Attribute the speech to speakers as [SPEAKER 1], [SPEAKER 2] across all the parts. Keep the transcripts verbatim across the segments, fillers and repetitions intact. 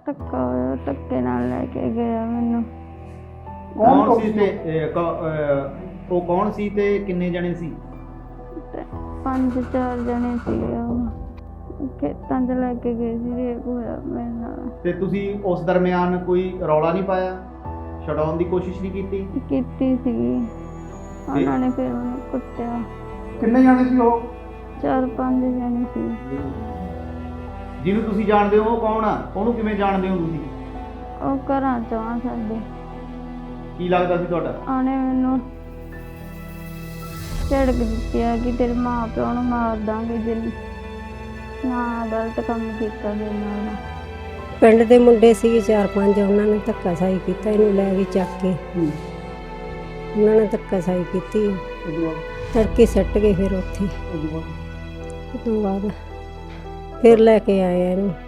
[SPEAKER 1] ਧੱਕਾ ਹੋਇਆ, ਧੱਕੇ ਨਾਲ ਲੈ ਕੇ ਗਿਆ ਮੈਨੂੰ।
[SPEAKER 2] ਕੌਣ ਸੀ ਤੇ ਇਹ, ਕ- ਅਹ, ਉਹ ਕੌਣ ਸੀ ਤੇ ਕਿੰਨੇ ਜਣੇ ਸੀ?
[SPEAKER 1] ਤੇ ਪੰਜ ਚਾਰ ਜਣੇ ਸੀਗੇ, ਉਹ ਖੇਤਾਂ 'ਚ ਲੈ ਕੇ ਗਏ ਸੀ। ਰੇਪ ਹੋਇਆ ਮੇਰੇ ਨਾਲ।
[SPEAKER 2] ਤੇ ਤੁਸੀਂ ਉਸ ਦਰਮਿਆਨ ਕੋਈ ਰੌਲਾ ਨਹੀਂ ਪਾਇਆ, ਛਡਾਉਣ ਦੀ ਕੋਸ਼ਿਸ਼ ਨਹੀਂ ਕੀਤੀ?
[SPEAKER 1] ਕੀਤੀ ਸੀਗੀ, ਉਹਨਾਂ ਨੇ ਫਿਰ ਮੈਨੂੰ ਕੁੱਟਿਆ।
[SPEAKER 3] ਕਿੰਨੇ ਜਾਣੇ ਸੀ ਉਹ?
[SPEAKER 1] ਚਾਰ ਪੰਜ ਜਣੇ ਸੀ।
[SPEAKER 2] ਜਿਹਨੂੰ ਤੁਸੀਂ ਜਾਣਦੇ ਹੋ ਉਹ ਕੌਣ ਆ? ਉਹਨੂੰ ਕਿਵੇਂ ਜਾਣਦੇ ਹੋ ਤੁਸੀਂ?
[SPEAKER 1] ਉਹ ਘਰਾਂ 'ਚੋਂ ਆ ਸਾਡੇ।
[SPEAKER 2] ਕੀ ਲੱਗਦਾ ਸੀ ਤੁਹਾਡਾ?
[SPEAKER 1] ਉਹਨੇ ਮੈਨੂੰ ਝੜਕ ਦਿੱਤੀ ਆ ਕਿ ਤੇਰੇ ਮਾਂ ਪਿਓ ਨੂੰ ਮਾਰ ਦਾਂਗੇ ਜੇ ਨਾ ਗਲਤ ਕੰਮ ਕੀਤਾ ਮੇਰੇ ਨਾਲ।
[SPEAKER 4] ਪਿੰਡ ਦੇ ਮੁੰਡੇ ਸੀਗੇ ਚਾਰ ਪੰਜ, ਉਹਨਾਂ ਨੇ ਧੱਕਾਸ਼ਾਹੀ ਕੀਤਾ, ਇਹਨੂੰ ਲੈ ਕੇ ਚੱਕ ਕੇ ਉਹਨਾਂ ਨੇ ਧੱਕਾਸ਼ਾਹੀ ਕੀਤੀ। ਤੜਕੇ ਸੱਟ ਗਏ ਫਿਰ ਉੱਥੇ। ਉਸ ਤੋਂ ਬਾਅਦ ਫਿਰ ਲੈ ਕੇ ਆਏ ਆ ਇਹਨੂੰ।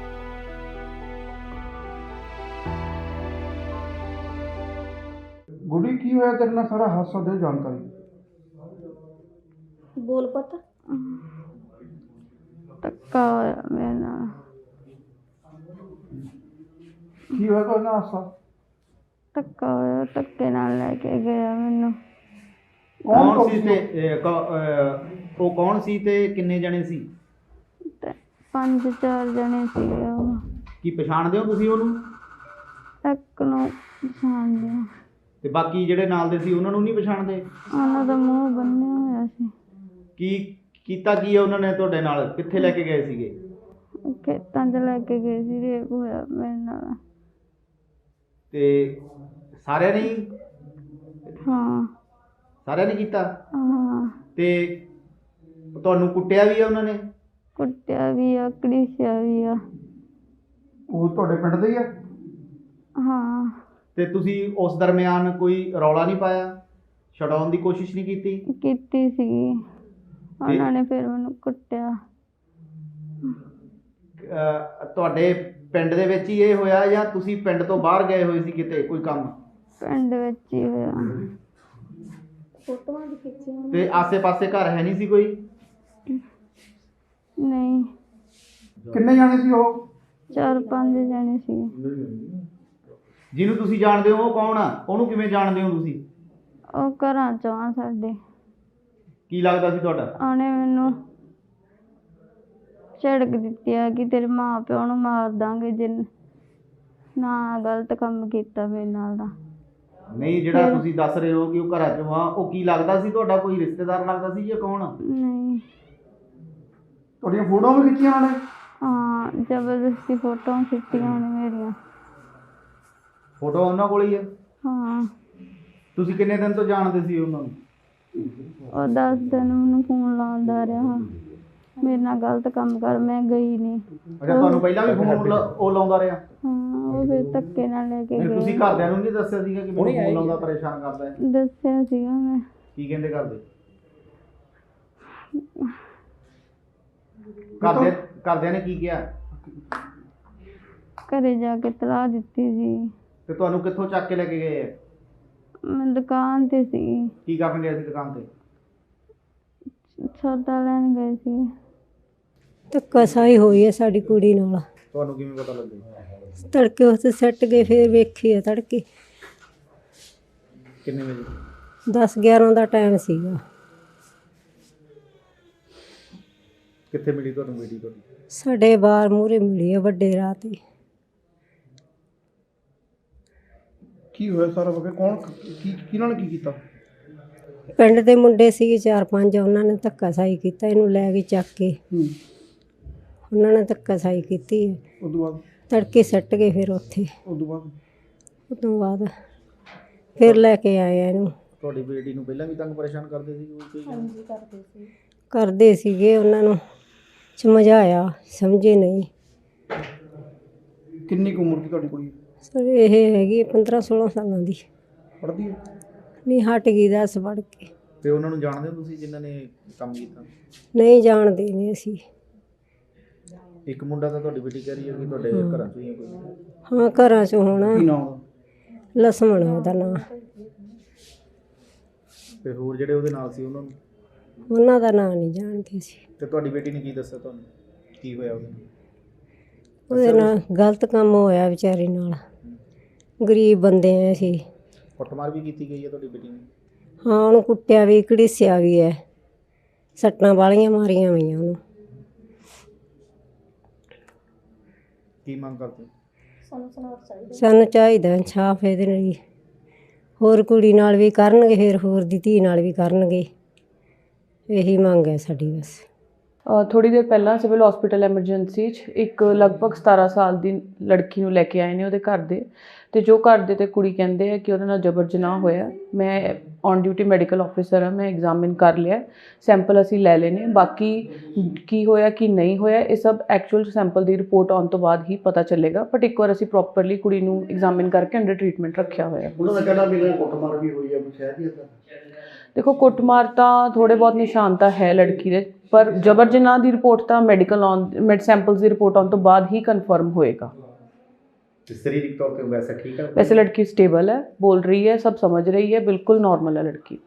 [SPEAKER 3] ਗੁੱਡੀ ਕੀ ਹੋਇਆ ਤੇਰੇ ਨਾਲ? ਸਾਰਾ ਹਾਦਸਾ ਦੇ ਜਾਣਕਾਰੀ।
[SPEAKER 4] ਬੋਲ ਪਤਾ
[SPEAKER 1] ਧੱਕਾ ਹੋਇਆ ਮੇਰੇ ਨਾਲ।
[SPEAKER 3] ਕੀ ਹੋਇਆ ਤੇਰੇ ਨਾਲ ਹਾਦਸਾ?
[SPEAKER 1] ਧੱਕਾ ਹੋਇਆ, ਧੱਕੇ ਨਾਲ ਲੈ ਕੇ ਗਿਆ ਮੈਨੂੰ।
[SPEAKER 2] ਕੌਣ ਸੀ ਤੇ ਇਹ, ਕ- ਅਹ, ਉਹ ਕੌਣ ਸੀ ਤੇ ਕਿੰਨੇ ਜਣੇ ਸੀ?
[SPEAKER 1] ਤੇ ਪੰਜ ਚਾਰ ਜਣੇ ਸੀਗੇ, ਉਹ
[SPEAKER 2] ਕੀ ਪਛਾਣਦੇ ਹੋ ਤੁਸੀਂ ਉਹਨੂੰ?
[SPEAKER 1] ਇੱਕ ਨੂੰ ਪਛਾਣਦੇ ਆ।
[SPEAKER 2] ਤੇ ਬਾਕੀ ਜਿਹੜੇ ਨਾਲ ਦੇ ਸੀ ਉਹਨਾਂ ਨੂੰ ਨਹੀਂ ਪਛਾਣਦੇ?
[SPEAKER 1] ਉਹਨਾਂ ਦਾ ਮੂੰਹ ਬੰਨਿਆ ਹੋਇਆ ਸੀ।
[SPEAKER 2] ਕੀ ਕੀਤਾ ਕੀ ਹੈ ਉਹਨਾਂ ਨੇ ਤੁਹਾਡੇ ਨਾਲ? ਕਿੱਥੇ ਲੈ ਕੇ ਗਏ ਸੀਗੇ?
[SPEAKER 1] ਖੇਤਾਂ 'ਚ ਲੈ ਕੇ ਗਏ ਸੀ। ਰੇਪ ਹੋਇਆ ਮੇਰੇ ਨਾਲ।
[SPEAKER 2] ਤੇ ਸਾਰਿਆਂ ਨੇ ਹੀ?
[SPEAKER 1] ਹਾਂ
[SPEAKER 2] ਸਾਰਿਆਂ ਨੇ ਕੀਤਾ?
[SPEAKER 1] ਹਾਂ,
[SPEAKER 2] ਤੇ ਤੁਹਾਨੂੰ ਕੁੱਟਿਆ ਵੀ ਆ ਉਹਨਾਂ ਨੇ?
[SPEAKER 1] ਕੁੱਟਿਆ ਵੀ ਆ, ਘੜੀਸਿਆ ਵੀ ਆ।
[SPEAKER 3] ਉਹ ਤੁਹਾਡੇ ਪਿੰਡ ਦੇ ਹੀ ਆ?
[SPEAKER 1] ਹਾਂ,
[SPEAKER 2] ਤੇ ਤੁਸੀਂ ਉਸ ਦਰਮਿਆਨ ਕੋਈ ਰੌਲਾ ਨਹੀਂ ਪਾਇਆ, ਛਡਾਉਣ ਦੀ ਕੋਸ਼ਿਸ਼ ਨਹੀਂ ਕੀਤੀ?
[SPEAKER 1] ਕੀਤੀ ਸੀਗੀ, ਉਹਨਾਂ ਨੇ ਫਿਰ ਮੈਨੂੰ ਕੁੱਟਿਆ।
[SPEAKER 2] ਅਹ ਤੁਹਾਡੇ ਪਿੰਡ ਦੇ ਵਿੱਚ ਹੀ ਇਹ ਹੋਇਆ ਜਾਂ ਤੁਸੀਂ ਪਿੰਡ ਤੋਂ ਬਾਹਰ ਗਏ ਹੋਏ ਸੀ ਕਿਤੇ ਕੋਈ ਕੰਮ?
[SPEAKER 1] ਪਿੰਡ ਵਿੱਚ ਹੀ ਹੋਇਆ।
[SPEAKER 4] ਫੋਟੋਆਂ ਵੀ ਖਿੱਚੀਆਂ।
[SPEAKER 2] ਤੇ ਆਸੇ-ਪਾਸੇ ਘਰ ਹੈ ਨਹੀਂ ਸੀ ਕੋਈ?
[SPEAKER 1] ਨਹੀਂ,
[SPEAKER 3] ਕਿੰਨੇ ਜਾਣੇ ਸੀ ਉਹ?
[SPEAKER 1] ਚਾਰ ਪੰਜ ਜਣੇ ਸੀ।
[SPEAKER 2] ਜਿਹਨੂੰ ਤੁਸੀਂ ਜਾਣਦੇ ਹੋ ਉਹ ਕੌਣ ਆ? ਉਹਨੂੰ ਕਿਵੇਂ ਜਾਣਦੇ ਹੋ ਤੁਸੀਂ?
[SPEAKER 1] ਉਹ ਘਰਾਂ 'ਚੋਂ ਆ ਸਾਡੇ।
[SPEAKER 2] ਕੀ ਲੱਗਦਾ ਸੀ ਤੁਹਾਡਾ?
[SPEAKER 1] ਉਹਨੇ ਮੈਨੂੰ ਝੜਕ ਦਿੱਤੀ ਆ ਕਿ ਤੇਰੇ ਮਾਂ ਪਿਓ ਨੂੰ ਮਾਰ ਦਾਂਗੇ ਜੇ ਨਾ ਗਲਤ ਕੰਮ ਕੀਤਾ ਮੇਰੇ ਨਾਲ ਦਾ।
[SPEAKER 2] ਨਹੀਂ, ਜਿਹੜਾ ਤੁਸੀਂ ਦੱਸ ਰਹੇ ਹੋ ਕਿ ਉਹ ਘਰਾਂ ਚੋਂ ਆ, ਉਹ ਕੀ ਲੱਗਦਾ ਸੀ ਤੁਹਾਡਾ? ਕੋਈ ਰਿਸ਼ਤੇਦਾਰ ਲੱਗਦਾ ਸੀ ਜਾਂ ਕੌਣ?
[SPEAKER 1] ਨਹੀਂ,
[SPEAKER 3] ਤੁਹਾਡੀਆਂ ਫੋਟੋਆਂ ਵੀ ਖਿੱਚੀਆਂ ਉਹਨਾਂ ਨੇ?
[SPEAKER 1] ਹਾਂ, ਜ਼ਬਰਦਸਤੀ ਫੋਟੋਆਂ ਖਿੱਚੀਆਂ ਉਹਨੇ ਮੇਰੀਆਂ।
[SPEAKER 2] ਫੋਟੋ ਉਹਨਾਂ ਕੋਲ ਹੀ ਹੈ?
[SPEAKER 1] ਹਾਂ,
[SPEAKER 2] ਤੁਸੀਂ ਕਿੰਨੇ ਦਿਨ ਤੋਂ ਜਾਣਦੇ ਸੀ ਉਹਨਾਂ ਨੂੰ?
[SPEAKER 1] ਉਹ ਦਸ ਦਿਨ ਮੈਨੂੰ ਫੋਨ ਲਾਉਂਦਾ ਰਿਹਾ, ਮੇਰੇ ਨਾਲ ਗਲਤ ਕੰਮ ਕਰ। ਮੈਂ ਗਈ ਨਹੀਂ।
[SPEAKER 2] ਅੱਛਾ, ਤੁਹਾਨੂੰ ਪਹਿਲਾਂ ਵੀ ਫੋਨ ਉਹ ਲਾਉਂਦਾ ਰਿਹਾ?
[SPEAKER 1] ਹਾਂ, ਉਹ ਫਿਰ ਧੱਕੇ ਨਾਲ ਲੈ ਕੇ
[SPEAKER 2] ਫਿਰ ਤੁਸੀਂ
[SPEAKER 1] ਗਏ।
[SPEAKER 2] ਘਰਦਿਆਂ ਨੂੰ ਨਹੀਂ ਦੱਸਿਆ ਸੀਗਾ ਕਿ ਮੈਨੂੰ ਫੋਨ ਲਾਉਂਦਾ, ਪਰੇਸ਼ਾਨ ਕਰਦਾ ਹੈ?
[SPEAKER 1] ਦੱਸਿਆ ਸੀਗਾ ਮੈਂ।
[SPEAKER 2] ਕੀ ਕਹਿੰਦੇ ਘਰਦੇ? ਘਰਦੇ ਘਰਦਿਆਂ ਨੇ ਕੀ ਕਿਹਾ?
[SPEAKER 1] ਘਰੇ ਜਾ ਕੇ ਤਲਾਹ ਦਿੱਤੀ ਸੀ।
[SPEAKER 2] ਤੇ ਤੁਹਾਨੂੰ ਕਿੱਥੋਂ ਚੱਕ ਕੇ ਲੈ ਕੇ ਗਏ ਆ?
[SPEAKER 1] ਮੈਂ ਦੁਕਾਨ ਤੇ ਸੀ,
[SPEAKER 2] ਕੀ ਕਰਨ ਗਏ ਸੀ ਦੁਕਾਨ ਤੇ?
[SPEAKER 1] ਸੌਦਾ ਲੈਣ ਗਏ ਸੀ।
[SPEAKER 4] ਧੱਕਾਸ਼ਾਹੀ ਹੋਈ ਹੈ ਸਾਡੀ ਕੁੜੀ ਨਾਲ।
[SPEAKER 2] ਤੁਹਾਨੂੰ ਕਿਵੇਂ ਪਤਾ ਲੱਗਿਆ?
[SPEAKER 4] ਤੜਕੇ ਉੱਥੇ ਸੱਟ ਗਏ, ਫਿਰ ਵੇਖੀ ਆ ਤੜਕੇ
[SPEAKER 2] ਕਿੰਨੇ ਵਜੇ?
[SPEAKER 4] ਦਸ ਗਿਆਰਾਂ ਦਾ ਟਾਈਮ ਸੀਗਾ।
[SPEAKER 2] ਕਿੱਥੇ ਮਿਲੀ ਤੁਹਾਨੂੰ ਬੇਟੀ ਤੁਹਾਡੀ?
[SPEAKER 4] ਸਾਡੇ ਬਾਹਰ ਮੂਹਰੇ ਮਿਲੀ ਆ ਵੱਡੇ ਰਾਹ ਤੇ।
[SPEAKER 3] ਕੀ ਹੋਇਆ ਸਾਰਾ ਵਗੇ? ਕੌਣ ਕੀ ਕਿਹਨਾਂ ਨੇ ਕੀ ਕੀਤਾ?
[SPEAKER 4] ਪਿੰਡ ਦੇ ਮੁੰਡੇ ਸੀਗੇ ਚਾਰ ਪੰਜ, ਉਹਨਾਂ ਨੇ ਧੱਕਾਸ਼ਾਹੀ ਕੀਤਾ, ਇਹਨੂੰ ਲੈ ਕੇ ਚੱਕ ਕੇ
[SPEAKER 3] ਹੂੰ।
[SPEAKER 4] ਉਹਨਾਂ ਨੇ ਧੱਕਾਸ਼ਾਹੀ ਕੀਤੀ।
[SPEAKER 3] ਉਸ ਤੋਂ ਬਾਅਦ?
[SPEAKER 4] ਤੜਕੇ ਸੱਟ ਗਏ ਫਿਰ ਉੱਥੇ।
[SPEAKER 3] ਉਸ ਤੋਂ ਬਾਅਦ?
[SPEAKER 4] ਉਸ ਤੋਂ ਬਾਅਦ ਫਿਰ ਲੈ ਕੇ ਆਏ ਆ ਇਹਨੂੰ।
[SPEAKER 2] ਤੁਹਾਡੀ ਬੇਟੀ ਨੂੰ ਪਹਿਲਾਂ ਵੀ ਤੰਗ ਪਰੇਸ਼ਾਨ ਕਰਦੇ ਸੀ ਕੋਈ?
[SPEAKER 4] ਹਾਂਜੀ, ਕਰਦੇ ਸੀ। ਕਰਦੇ ਸੀਗੇ, ਉਹਨਾਂ ਨੂੰ ਸਮਝਾਇਆ, ਸਮਝੇ ਨਹੀਂ।
[SPEAKER 3] ਕਿੰਨੀ ਕੁ ਉਮਰ ਦੀ ਤੁਹਾਡੀ ਕੁੜੀ?
[SPEAKER 4] ਸਰ ਇਹ ਹੈਗੀ ਪੰਦਰਾਂ ਸੋਲਾਂ ਸਾਲਾਂ ਦੀ।
[SPEAKER 3] ਪੜ੍ਹਦੀ ਹੈ?
[SPEAKER 4] ਨਹੀਂ, ਹਟ ਗਈ ਦਸ ਪੜ੍ਹ ਕੇ।
[SPEAKER 2] ਤੇ ਉਹਨਾਂ ਨੂੰ ਜਾਣਦੇ ਹੋ ਤੁਸੀਂ ਜਿਨ੍ਹਾਂ ਨੇ ਕੰਮ ਕੀਤਾ?
[SPEAKER 4] ਨਹੀਂ ਜਾਣਦੇ ਨਹੀਂ ਅਸੀਂ।
[SPEAKER 2] ਇੱਕ ਮੁੰਡਾ ਤਾਂ ਤੁਹਾਡੀ ਬੇਟੀ ਕਹਿ ਰਹੀ ਹੈ ਕਿ ਤੁਹਾਡੇ ਘਰਾਂ ਚੋਂ ਹੀ ਹੈ ਕੋਈ?
[SPEAKER 4] ਹਾਂ, ਘਰਾਂ 'ਚ ਹੋਣਾ।
[SPEAKER 3] ਕੀ ਨਾਮ ਉਹਦਾ?
[SPEAKER 4] ਲਸਮਣ ਆ ਉਹਦਾ ਨਾਂ।
[SPEAKER 2] ਤੇ ਹੋਰ ਜਿਹੜੇ ਉਹਦੇ ਨਾਲ ਸੀ ਉਹਨਾਂ ਨੂੰ?
[SPEAKER 4] ਉਹਨਾਂ ਦਾ ਨਾਂ ਨਹੀਂ ਜਾਣਦੇ ਸੀ।
[SPEAKER 2] ਤੇ ਤੁਹਾਡੀ ਬੇਟੀ ਨੇ ਕੀ ਦੱਸਿਆ ਤੁਹਾਨੂੰ? ਕੀ ਹੋਇਆ ਉਹਦੇ ਨਾਲ?
[SPEAKER 4] ਉਹਦੇ ਨਾਲ ਗਲਤ ਕੰਮ ਹੋਇਆ ਵਿਚਾਰੀ ਨਾਲ। ਗਰੀਬ ਬੰਦੇ ਆ ਅਸੀਂ।
[SPEAKER 2] ਕੁੱਟਮਾਰ ਵੀ ਕੀਤੀ ਗਈ ਹੈ ਤੁਹਾਡੀ ਬੇਟੀ ਨੂੰ?
[SPEAKER 4] ਹਾਂ, ਉਹਨੂੰ ਕੁੱਟਿਆ ਵੀ, ਘੜੀਸਿਆ ਵੀ ਹੈ, ਸੱਟਾਂ ਵਾਲੀਆਂ ਮਾਰੀਆਂ ਹੋਈਆਂ ਉਹਨੂੰ।
[SPEAKER 2] ਕੀ ਮੰਗ ਕਰਦੇ?
[SPEAKER 4] ਸਾਨੂੰ ਚਾਹੀਦਾ ਇਨਸਾਫ ਇਹਦੇ ਲਈ। ਹੋਰ ਕੁੜੀ ਨਾਲ ਵੀ ਕਰਨਗੇ, ਫਿਰ ਹੋਰ ਦੀ ਧੀ ਨਾਲ ਵੀ ਕਰਨਗੇ, ਇਹੀ ਮੰਗ ਹੈ ਸਾਡੀ ਬਸ।
[SPEAKER 5] ਥੋੜ੍ਹੀ ਦੇਰ ਪਹਿਲਾਂ ਸਿਵਲ ਹਸਪੀਟਲ ਐਮਰਜੈਂਸੀ 'ਚ ਇੱਕ ਲਗਭਗ ਸਤਾਰਾਂ ਸਾਲ ਦੀ ਲੜਕੀ ਨੂੰ ਲੈ ਕੇ ਆਏ ਨੇ ਉਹਦੇ ਘਰ ਦੇ, ਅਤੇ ਜੋ ਘਰ ਦੇ ਅਤੇ ਕੁੜੀ ਕਹਿੰਦੇ ਆ ਕਿ ਉਹਦੇ ਨਾਲ ਜਬਰ ਜਨਾਹ ਹੋਇਆ। ਮੈਂ ਔਨ ਡਿਊਟੀ ਮੈਡੀਕਲ ਆਫਿਸਰ ਹਾਂ, ਮੈਂ ਐਗਜ਼ਾਮਿਨ ਕਰ ਲਿਆ, ਸੈਂਪਲ ਅਸੀਂ ਲੈ ਲਏ ਨੇ। ਬਾਕੀ ਕੀ ਹੋਇਆ ਕੀ ਨਹੀਂ ਹੋਇਆ ਇਹ ਸਭ ਐਕਚੁਅਲ ਸੈਂਪਲ ਦੀ ਰਿਪੋਰਟ ਆਉਣ ਤੋਂ ਬਾਅਦ ਹੀ ਪਤਾ ਚੱਲੇਗਾ, ਬਟ ਇੱਕ ਵਾਰ ਅਸੀਂ ਪ੍ਰੋਪਰਲੀ ਕੁੜੀ ਨੂੰ ਐਗਜ਼ਾਮਿਨ ਕਰਕੇ ਅੰਡਰ ਟਰੀਟਮੈਂਟ ਰੱਖਿਆ ਹੋਇਆ।
[SPEAKER 3] ਉਹਨਾਂ ਦਾ ਕਹਿਣਾ ਵੀ ਕੁੱਟਮਾਰ ਵੀ ਹੋਈ ਹੈ, ਕੁਛ ਹੈ ਜੀ ਇੱਦਾਂ?
[SPEAKER 5] ਦੇਖੋ, ਕੁੱਟਮਾਰ ਤਾਂ ਥੋੜ੍ਹੇ ਬਹੁਤ ਨਿਸ਼ਾਨ ਤਾਂ ਹੈ ਲੜਕੀ ਦੇ, ਪਰ ਜਬਰ ਜਨਾਹ ਦੀ ਰਿਪੋਰਟ ਤਾਂ ਮੈਡੀਕਲ ਆਉਣ ਮੈਡ ਸੈਂਪਲਸ ਦੀ ਰਿਪੋਰਟ ਆਉਣ ਤੋਂ ਬਾਅਦ ਹੀ ਕਨਫਰਮ ਹੋਏਗਾ।
[SPEAKER 2] ਸਰੀਰਕ ਤੌਰ ਤੇ ਵੈਸੇ ਠੀਕ ਹੈ?
[SPEAKER 5] ਵੈਸੇ ਲੜਕੀ ਸਟੇਬਲ ਹੈ, ਬੋਲ ਰਹੀ ਹੈ, ਸਭ ਸਮਝ ਰਹੀ ਹੈ, ਬਿਲਕੁਲ ਨॉर्मल है लड़की।